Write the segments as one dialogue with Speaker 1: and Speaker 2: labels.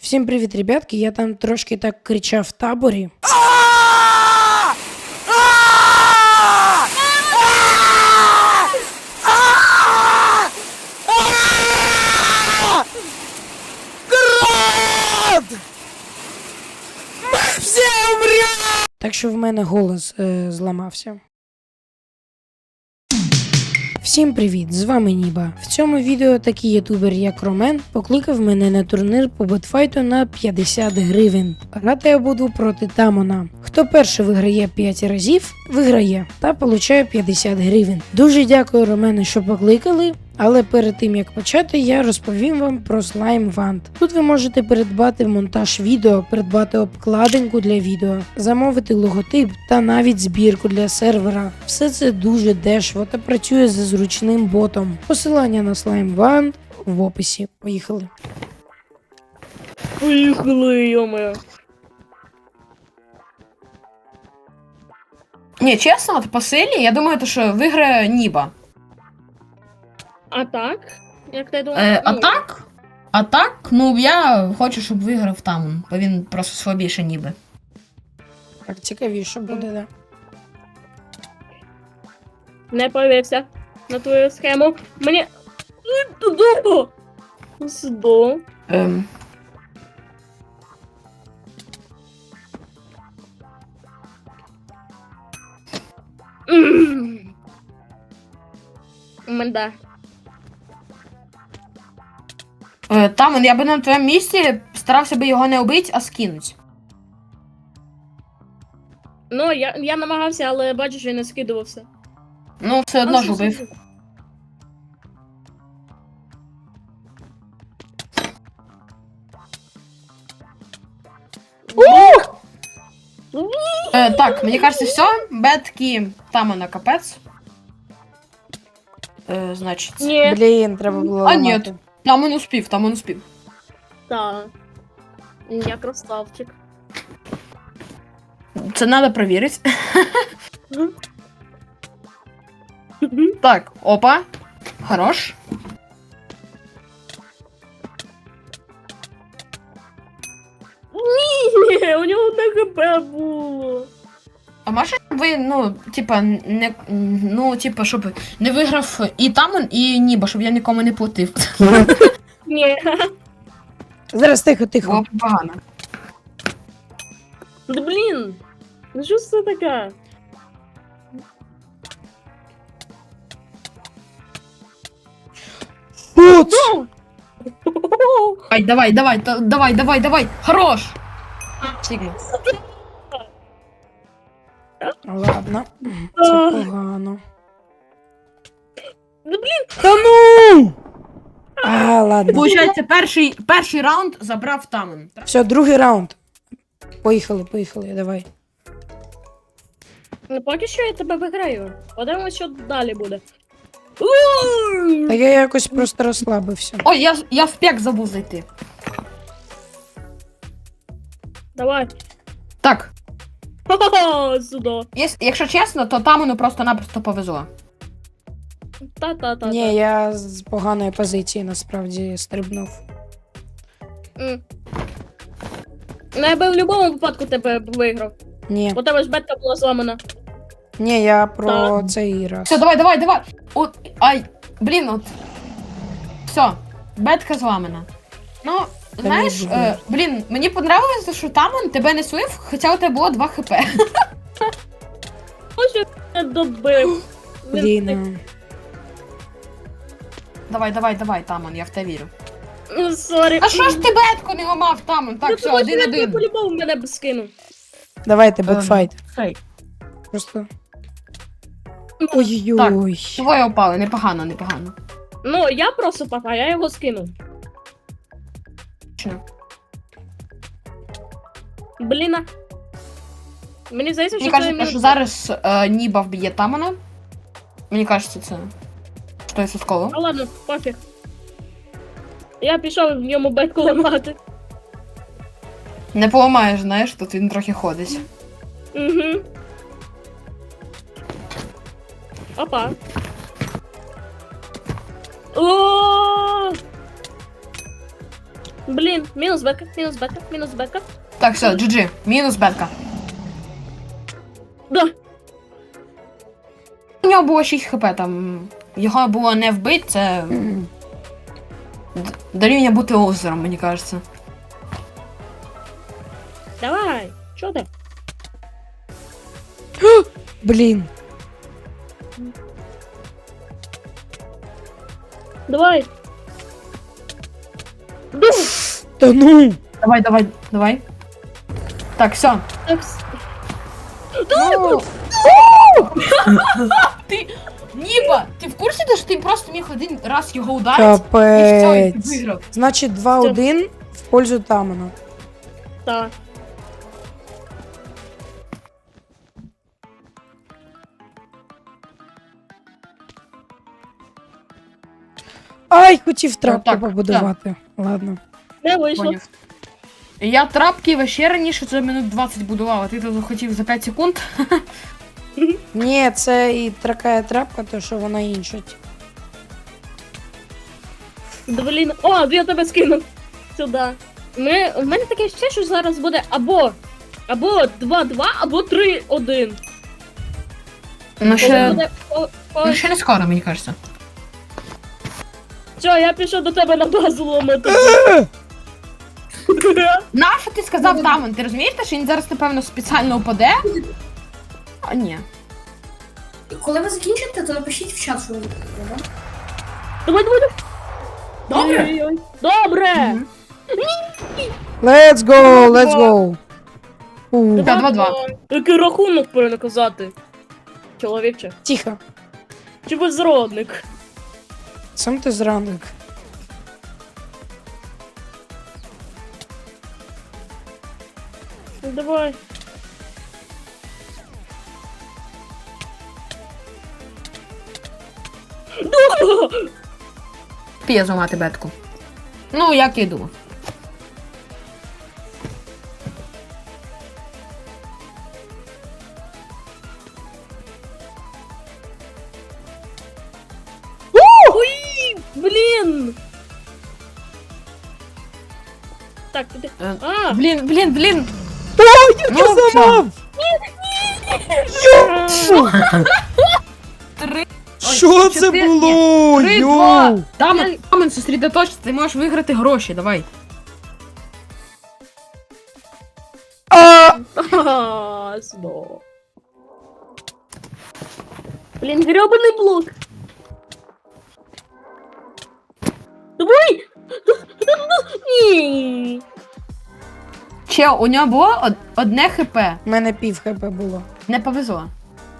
Speaker 1: Всім привіт, ребятки. Я там трошки так кричав в таборі. Так що в мене голос зламався. Всім привіт, з вами Ніба. В цьому відео такий ютубер як Ромен покликав мене на турнір по бетфайту на 50 гривень. Грати я буду проти Тамона. Хто перший виграє 5 разів, виграє та получає 50 гривень. Дуже дякую, Ромену, що покликали. Але перед тим як почати, я розповім вам про Slime Wand. Тут ви можете придбати монтаж відео, придбати обкладинку для відео, замовити логотип та навіть збірку для сервера. Все це дуже дешево та працює за зручним ботом. Посилання на Slime Wand в описі. Поїхали.
Speaker 2: Поїхали, йоме.
Speaker 3: Ні, чесно, от по силі, я думаю, що виграє Ніба.
Speaker 2: А так? Як ти думаєш?
Speaker 3: А так, ну я хочу, щоб виграв Тамон, бо він просто слабіше Ніби.
Speaker 1: Так цікавіше буде, да?
Speaker 2: Не повівся на твою схему. Мені... Туди! Сюди. Менда.
Speaker 3: Тамон, я би на твоєму місці старався би його не вбити, а скинуть.
Speaker 2: Ну, я намагався, але бачу, що я не скидувався.
Speaker 3: Ну, все одно ж убив. Так, мені кажется, все, бетки Тамона капець. Значить.
Speaker 2: Ні.
Speaker 1: Блін, треба було
Speaker 3: А, ні.
Speaker 1: ламати.
Speaker 3: Тамон успів.
Speaker 2: Так. Я красавчик.
Speaker 3: Це треба перевірити. Так, опа. Хорош.
Speaker 2: Ні, у нього одне ХП було.
Speaker 3: А може ви, ну, типа, не. Ну, типа, щоб не виграв і Тамон, і Ніба, щоб я нікому не платив.
Speaker 2: Ні.
Speaker 1: Зараз тихо.
Speaker 3: Було б погано.
Speaker 2: Да блін. Ну що це таке?
Speaker 1: От!
Speaker 3: Ай, давай. Хорош! Сігма.
Speaker 1: Ладно, це погано.
Speaker 2: Да блін.
Speaker 1: Та ну! Ладно.
Speaker 3: Получається, перший раунд забрав Тамон.
Speaker 1: Все, другий раунд. Поїхали, давай.
Speaker 2: Ну поки що я тебе виграю. Подивимось, що далі буде.
Speaker 1: Та я якось просто розслабився.
Speaker 3: Ой, я в пек забув зайти.
Speaker 2: Давай.
Speaker 3: Так,
Speaker 2: Ха-ха-ха, сюди.
Speaker 3: якщо чесно, то Тамону просто-напросто повезло.
Speaker 2: Та-та-та.
Speaker 1: Ні, я з поганої позиції насправді стрибнув.
Speaker 2: Ну я би в будь-якому випадку тебе виграв.
Speaker 1: Ні,
Speaker 2: У тебе ж бетка була зламана.
Speaker 1: я про
Speaker 2: Так.
Speaker 1: цей раз.
Speaker 3: Все, давай. От, ай, блін, от. Все, бетка зламана. Ну, знаєш,
Speaker 1: не буде.
Speaker 3: блін, мені понравилося, що Тамон тебе не слив, хоча у тебе було 2 хп.
Speaker 2: Ось я тебе добив.
Speaker 1: Блін.
Speaker 3: Давай, Тамон, я в те вірю.
Speaker 2: Ну, сорі.
Speaker 3: А що ж ти бетку не ламав, Тамон? Так, все,
Speaker 2: Я
Speaker 3: 1-1.
Speaker 2: по-любому мене б скинув.
Speaker 1: Давайте, бекфайт.
Speaker 3: Хей.
Speaker 1: Просто. Ой-ой-ой.
Speaker 3: Двоє опали, непогано.
Speaker 2: Ну, я просто пока, я його скинув.
Speaker 3: Точно.
Speaker 2: Блін. Мені здається,
Speaker 3: Мені
Speaker 2: що це
Speaker 3: кажеться, що зараз Ніба вб'є Тамона. Мені кажеться, це 100%.
Speaker 2: А ладно, пофіг. Я пішов в ньому бетку ламати.
Speaker 3: Не поламаєш, знаєш, тут він трохи ходить.
Speaker 2: Угу. Опа. О! Блін, мінус бека, мінус бека, мінус бека.
Speaker 3: Так, все, GG. Мінус бетка.
Speaker 2: Да.
Speaker 3: У нього було 6 хп, там. Його було не вбити, це дорівнює бути озером, мені кажеться.
Speaker 2: Давай, що ти?
Speaker 1: Блін.
Speaker 2: Давай.
Speaker 1: Та ну!
Speaker 3: Давай. Так, все.
Speaker 2: Так,
Speaker 3: Ну... Ти, Ніба, ти в курсі, що ти просто міг один раз його ударити? І все, і ти
Speaker 1: Капець.
Speaker 3: виграв.
Speaker 1: Значить 2-1 в пользу Тамона.
Speaker 2: так.
Speaker 1: Ай, хотів трапку
Speaker 3: так,
Speaker 1: побудувати. Ладно.
Speaker 2: Не вийшло.
Speaker 3: Поняв. Я трапки ще раніше за минут 20 будував, а ти тут хотів за 5 секунд.
Speaker 1: Ні, це і така трапка, то що вона іншить.
Speaker 2: Блін. О, я тебе скинув. Сюди. В мене таке ще, що зараз буде або 2-2, або 3-1.
Speaker 3: Ну
Speaker 2: Коли
Speaker 3: ще,
Speaker 2: буде
Speaker 3: ну, ще не скоро, мені кажеться.
Speaker 2: Все, я пішов до тебе на базу ломити.
Speaker 3: Нащо ти сказав Тамон? Ти розумієш, що він зараз, напевно, спеціально упаде? А ні.
Speaker 4: Коли ви закінчите, то напишіть в чат, що ви таке, да?
Speaker 2: Давай.
Speaker 4: Добре.
Speaker 2: Ой-ой-ой. Добре.
Speaker 3: Мгм.
Speaker 1: Let's go, let's go. У,
Speaker 3: Так. 2-2.
Speaker 2: Який рахунок перенаказати? Чоловіче.
Speaker 1: Тихо.
Speaker 2: Чи безродник?
Speaker 1: Сам ти зрадник.
Speaker 2: Ну, давай.
Speaker 3: П'є зламати бетку. Ну, як я й думав.
Speaker 2: Ой, блін! Так, туди. А,
Speaker 3: Блін.
Speaker 1: Я
Speaker 3: Ну,
Speaker 1: зламав!
Speaker 3: Три.
Speaker 1: Що це
Speaker 3: чотири-
Speaker 1: було?
Speaker 3: 3-2.
Speaker 1: Йоу!
Speaker 3: Тамон, сосредоточся, ти можеш виграти гроші, давай.
Speaker 2: снова. Блін, гребаний блок. Давай! Ні.
Speaker 3: Чел, у нього було одне хп.
Speaker 1: У мене пів хп було.
Speaker 3: Не повезло.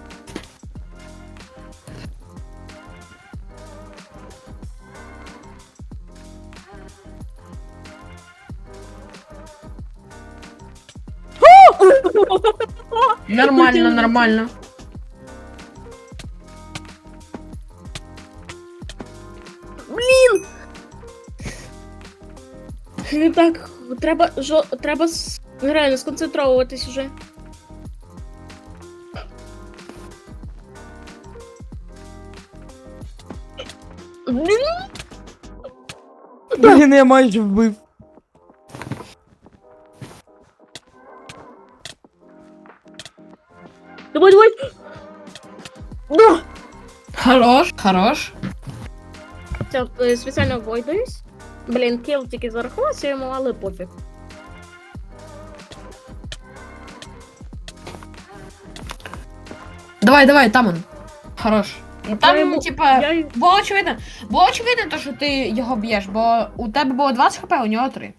Speaker 3: Нормально.
Speaker 2: Так, треба реально сконцентровуватись уже. Блін,
Speaker 1: Блін, я майже вбив.
Speaker 2: давай. Да.
Speaker 3: Хорош.
Speaker 2: Це спеціально войдуюсь. Блін, кіл тільки зарахувався йому, але пофіг.
Speaker 3: Давай, Тамон. Хорош. Ну,
Speaker 2: Я
Speaker 3: там,
Speaker 2: йому-
Speaker 3: типа,
Speaker 2: я й-
Speaker 3: було очевидно, то, що ти його б'єш, бо у тебе було 20 хп, у нього 3.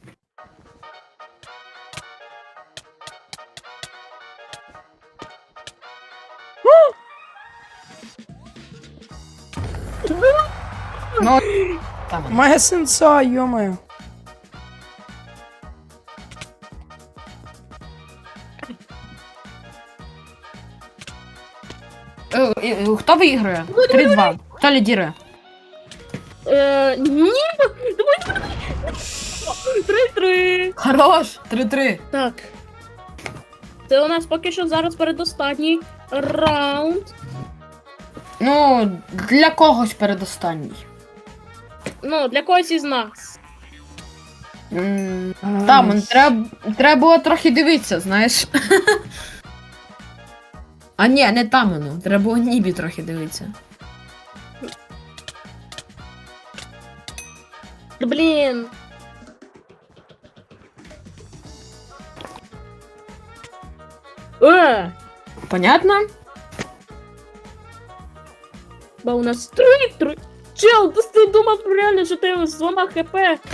Speaker 3: Ну, Тамон.
Speaker 1: Моя сенса, йомаю.
Speaker 3: Хто виграє? 3-2. Хто лідірує?
Speaker 2: Ні, давай. 3-3.
Speaker 3: Хорош! 3-3.
Speaker 2: Так. Це у нас поки що зараз передостанній раунд.
Speaker 3: Ну, для когось передостанній.
Speaker 2: Ну, для когось із нас.
Speaker 3: Тамон, треба було трохи дивитися, знаєш. А ні, не Тамону, треба було Нібі трохи дивитися.
Speaker 2: Блін.
Speaker 3: Понятно?
Speaker 2: Бо у нас три. Чел, ти думав реально, що ти зламав хп.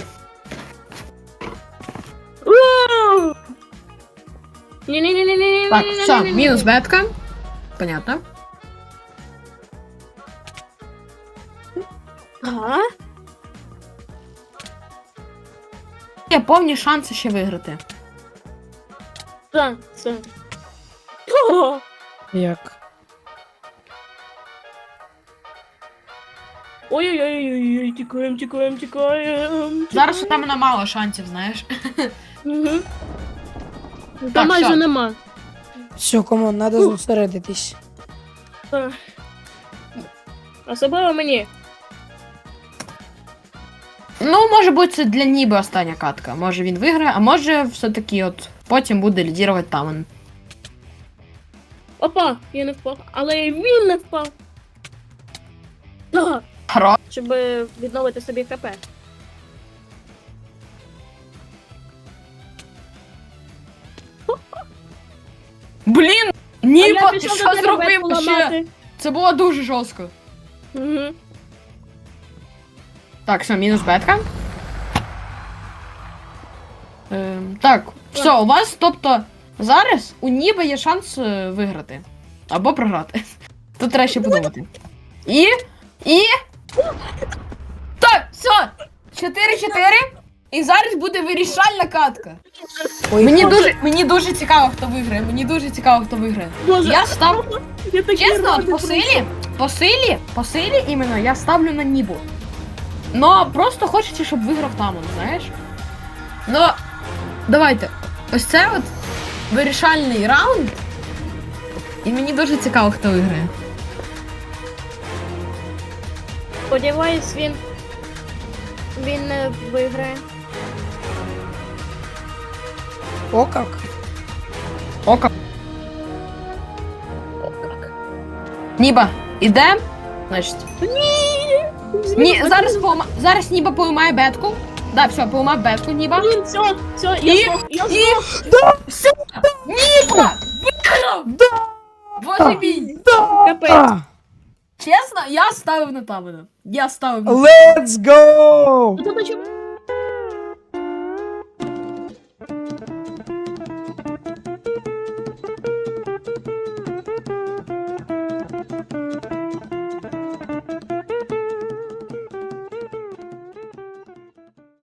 Speaker 2: Ні-ні-ні-ні-ні.
Speaker 3: Так, все, мінус бетка. Понятно.
Speaker 2: Ага.
Speaker 3: Є повні шанси ще виграти.
Speaker 2: Так, все. О!
Speaker 1: Як?
Speaker 2: Ой-ой-ой, тікаємо.
Speaker 3: Зараз у Тамона мало шансів, знаєш.
Speaker 2: Угу. Та
Speaker 3: Так,
Speaker 2: майже
Speaker 3: що?
Speaker 2: нема.
Speaker 1: Все, комон, треба зосередитись.
Speaker 2: Так. Особливо мені.
Speaker 3: Ну, може бути, це для Ніби остання катка. Може він виграє, а може все-таки от потім буде лідірувати Тамон.
Speaker 2: Опа, я не впав. Але і він не впав. Так.
Speaker 3: Хоро.
Speaker 2: Щоб відновити собі ХП.
Speaker 3: Блін!
Speaker 2: А
Speaker 3: Ніба,
Speaker 2: я
Speaker 3: ти
Speaker 2: пішов
Speaker 3: що
Speaker 2: до тебе
Speaker 3: зробив
Speaker 2: ветку
Speaker 3: ще?
Speaker 2: ламати.
Speaker 3: Це було дуже жорстко.
Speaker 2: Угу.
Speaker 3: Так, все, мінус бетка. Так, все, у вас, тобто, зараз у Ніби є шанс виграти. Або програти. Тут треба ще подумати. І. Так, все! 4-4. І зараз буде вирішальна катка.
Speaker 1: Ой,
Speaker 3: Мені дуже цікаво, хто виграє. Мені дуже цікаво, хто виграє.
Speaker 2: Боже,
Speaker 3: Я став.
Speaker 2: я такий
Speaker 3: Чесно,
Speaker 2: радий
Speaker 3: от по силі іменно я ставлю на Нібу. Но просто хочеться, щоб виграв Тамон, знаєш? Ну, давайте. Ось це от вирішальний раунд. І мені дуже цікаво, хто виграє.
Speaker 2: Сподіваюсь, він не виграє.
Speaker 1: О, як?
Speaker 3: Ока.
Speaker 2: О, як.
Speaker 3: Ніба, іде? Значить. Ні, зараз Ніба поламає бетку. Да, все, поламав бетку, Ніба.
Speaker 2: Блін, все,
Speaker 3: І-
Speaker 2: я
Speaker 3: і-
Speaker 2: здох.
Speaker 3: Все! Ніба! Виграв! Боже мій!
Speaker 2: Капець.
Speaker 1: А,
Speaker 3: Чесно, я ставив на Тамона. Я ставив на
Speaker 1: let's go!
Speaker 2: Ну, то чому?